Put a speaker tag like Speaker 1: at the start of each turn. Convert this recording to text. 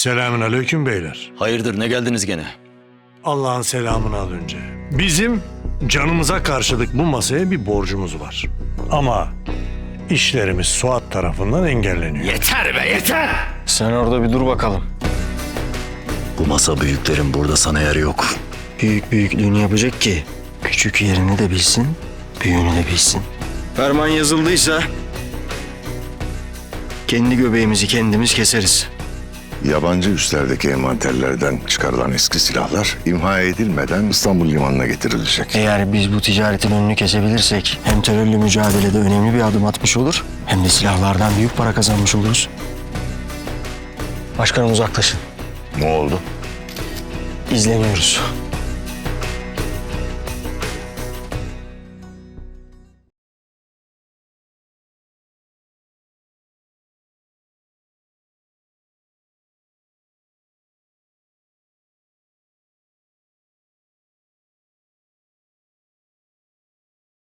Speaker 1: Selamünaleyküm beyler.
Speaker 2: Hayırdır, ne geldiniz gene?
Speaker 1: Allah'ın selamını al önce. Bizim canımıza karşılık bu masaya bir borcumuz var. Ama işlerimiz Suat tarafından engelleniyor.
Speaker 2: Yeter be, yeter!
Speaker 3: Sen orada bir dur bakalım.
Speaker 2: Bu masa büyüklerin, burada sana yer yok.
Speaker 3: Büyük büyüklüğünü yapacak ki küçük yerini de bilsin, büyüğünü de bilsin. Ferman yazıldıysa kendi göbeğimizi kendimiz keseriz.
Speaker 4: Yabancı üslerdeki envanterlerden çıkarılan eski silahlar imha edilmeden İstanbul limanına getirilecek.
Speaker 3: Eğer biz bu ticaretin önünü kesebilirsek hem terörle mücadelede önemli bir adım atmış olur hem de silahlardan büyük para kazanmış oluruz. Başkanım uzaklaşın.
Speaker 4: Ne oldu?
Speaker 3: İzleniyoruz.